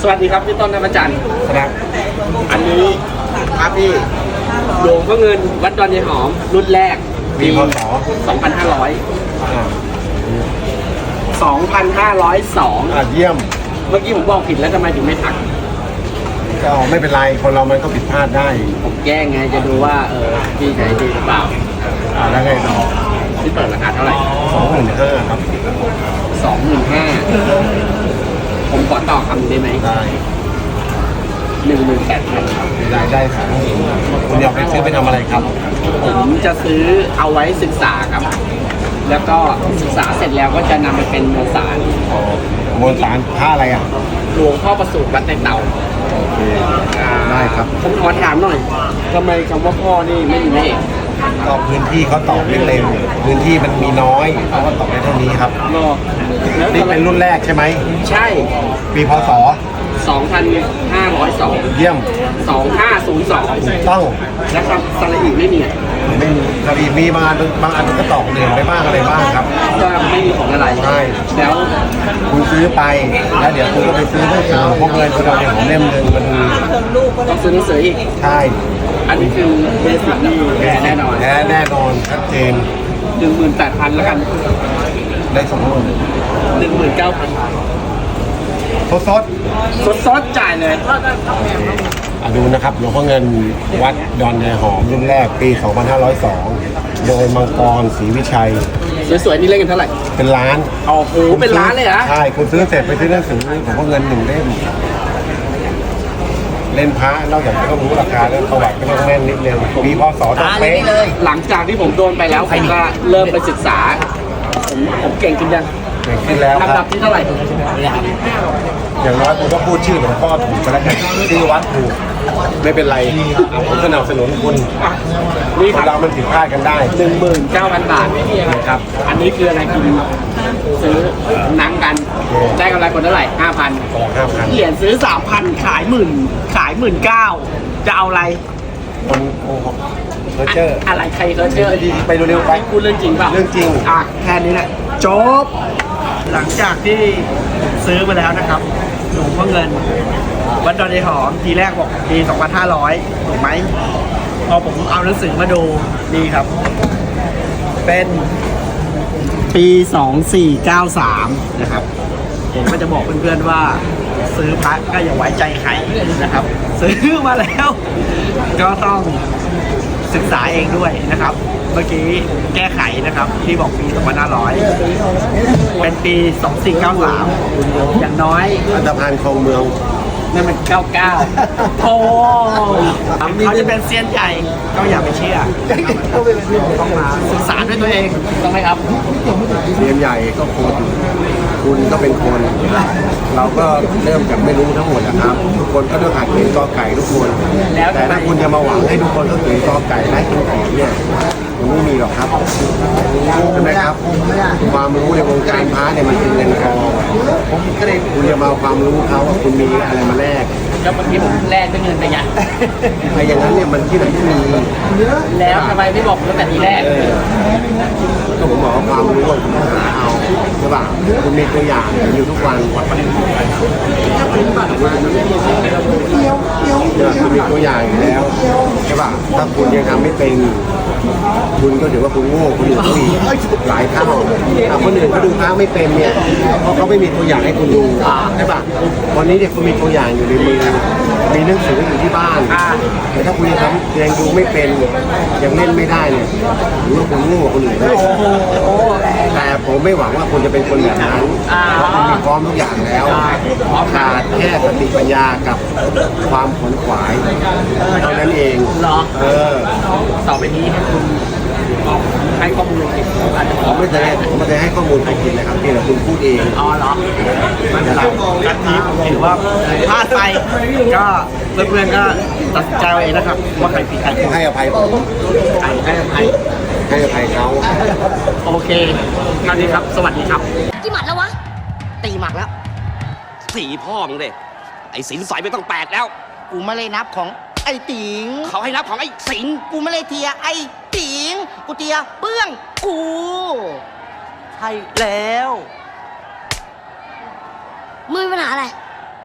สวัสดีครับพี่ต้นธรรมจันทร์ครับอันนี้ครับพี่หลวงพ่อเงินวัดดอนยายหอมรุ่นแรกปีพศ 2500 เยี่ยมเมื่อกี้ผมบอกผิดแล้วทำไมถึงไม่ทักก็ไม่เป็นไรคนเรามันก็ผิดพลาดได้ผมแกล้งไงจะดูว่าพี่ใช้ดีหรือเปล่าแล้วไงต่อพี่เปิดราคาเท่าไหร่ 25,000ครับ 25,000ผมขอต่อคำได้ไหมได้ 18,000ครับได้ครับคุณอยากไปซื้อไปทำอะไรครับผมจะซื้อเอาไว้ศึกษาครับ แล้วก็ศึกษาเสร็จแล้วก็จะนำไปเป็นมวลสารมวลสารผ้าอะไรอ่ะหลวงพ่อประสูติวัดในเตาโอเคได้ครับผมขอถามหน่อยทำไมคำว่าพ่อนี่ไม่มีแม่เอกก็พื้นที่เขาตอบไม่เต็มพื้นที่มันมีน้อยเขาก็ตอบได้เท่านี้ครับรอแล้วนี่เป็นรุ่นแรกใช่ไหมใช่ปีพศ 2,502 เยี่ยม 2502 ต้องแล้วครับสระอีไม่มีไม่มีครับมีบางอันก็ตอกเหลืองไปบ้างอะไรบ้างครับก็ไม่มีของอะไรใช่แล้วคุณซื้อไปแล้วเดี๋ยวคุณก็ไปซื้อหนังสือพวกเงินคุณเอาในของเล่มหนึ่งมันต้องซื้อหนังสืออีกใช่อันนี้คือเบสิกนี่แน่นอนแน่นอนชัดเจน 18,000แล้วกันได้สมบูรณ์ 19,000 สดสดๆจ่ายเลยดูนะครับหลวงพ่อเงินวัดดอนยายหอมรุ่นแรกปี 2502 โดยมังกรศรีวิชัยสวยๆนี่เล่นกันเท่าไหร่เป็นล้านโอ้โหเป็นล้านเลยเหรอใช่คุณซื้อเสร็จไปซื้อหนังสือหลวงพ่อเงิน1 เล่มเล่นพระนอกจากจะต้องรู้ราคาแล้วประวัติก็ต้องแม่นนิดนึงปีพศต้องเป๊ะหลังจากที่ผมโดนไปแล้วผมก็เริ่มไปศึกษา ผมเก่งขึ้นยังเก่งขึ้นแล้วคลำดัรับบ ที่เท่าไหร่อย่างน้อยผมก็พูดชื่อหลวงพ่อถูกไปแล้วกันชื่อวัดถูกไม่เป็นไรผมสนับสนุนคุณนี่คครันบเรามันผิดพลาดกันได้ 19,000 บาทนะครับอันนี้คืออะไรกินซื้อหนังกัน ได้กำไรคนเท่าไหร่ 5,000 5,000 เหรียญซื้อ 3,000 ขาย19,000จะเอาอะไรคนโอ้โหเพอร์เจอร์อะไรใครเขาเชื่อไปเร็วๆไปพูดเรื่องจริงเปล่าเรื่องจริงอ่ะแค่นี้แหละจบ หลังจากที่ซื้อมาแล้วนะครับหลวงพ่อเงินวัดดอนยายหอมทีแรกบอกปี 2,500 ถูกไหมพอผมเอาหนังสือมาดูนี่ครับ เป็นปี 2493 นะครับ ผมก็จะบอกเพื่อนๆว่า ซื้อพระก็อย่าไว้ใจใครนะครับ ซื้อมาแล้ว ก็ต้องศึกษาเองด้วยนะครับ เมื่อกี้แก้ไขนะครับ ที่บอกปี 2500 เป็นปี 2493 อย่างน้อยอันธพาลคลองเมืองนั่นมัน 99โอ้เขาจะเป็นเซียนใหญ่ก็อย่าไปเชื่อต้องมาศึกษาด้วยตัวเองต้องไหมครับเรียนใหญ่ก็คุณก็เป็นคน เราก็เริ่มจากไม่รู้ทั้งหมดนะครับ ทุกคนก็ต้องหัดเขียนกอไก่ทุกคน แต่ถ้าคุณจะมาหวังให้ทุกคนต้องเขียนกอไก่และคุณแอนเนี่ยมันไม่มีหรอกครับใช่ไหมครับ ความรู้ในวงการพระเนี่ยมันเป็นเงินทองคุณจะมาเอาความรู้เขาว่าคุณมีอะไรมาแลกก็เมื่อกี้ผมแลกด้วยเงินไปไงไอ้อย่างนั้นเนี่ยมันที่ไหนที่มีแล้วทำไมไม่บอกตั้งแต่ทีแรกก็ผมบอกว่าความรู้อะคุณต้องหาเอาใช่ป่ะคุณมีตัวอย่างอยู่ทุกวันคุณมีตัวอย่างอยู่แล้วใช่ป่ะถ้าคุณยังทำไม่เป็นคุณก็ถือว่าคุณโง่คุณอยู่ที่หลายเท่าถ้าคนอื่นเขาดูพระไม่เป็นเนี่ยเพราะเขาไม่มีตัวอย่างให้คุณดูใช่ป่ะวันนี้เนี่ยคุณมีตัวอย่างอยู่ในมือมีหนังสืออยู่ที่บ้านแต่ถ้าคุณยังดูไม่เป็นยังเล่นไม่ได้เนี่ยถือว่าคุณโง่กว่าคนอื่นด้วยแต่ผมไม่หวังว่าคุณจะเป็นคนแบบนั้นเพราะคุณมีพร้อมทุกอย่างแล้วขาดแค่สติปัญญากับความขวนขวายเท่านั้นเองเหรอต่อไปนี้ให้คุณให้ข้อมูลเก็บอาจจะขผอมไม่ได้ให้ข้อมูลใครกินนะครับเพียงแต่คุณพูดเองอ๋อเหรอไม่เป็นไรนัดนี้ผมถือว่าพลาดไปก็เพื่อนๆก็ตัดสินใจเอาเองนะครับ ว่าใครผิดใครถูกให้อภัยผมใครให้อภัยให้อภัยเขาโอเคคราวนี้ครับ สวัสดีครับกี่หมัดแล้ววะตีหมักแล้วสีพ่อมึงเลยไอ้สินใสไม่ต้อง8แล้วกูไม่เลยนับของไอ้ติงเขาให้นับของไอ้สินกูไม่เลยเทียไอ้ติง กูเทียเปื้องกูใช่แล้วมึงมีปัญหาอะไร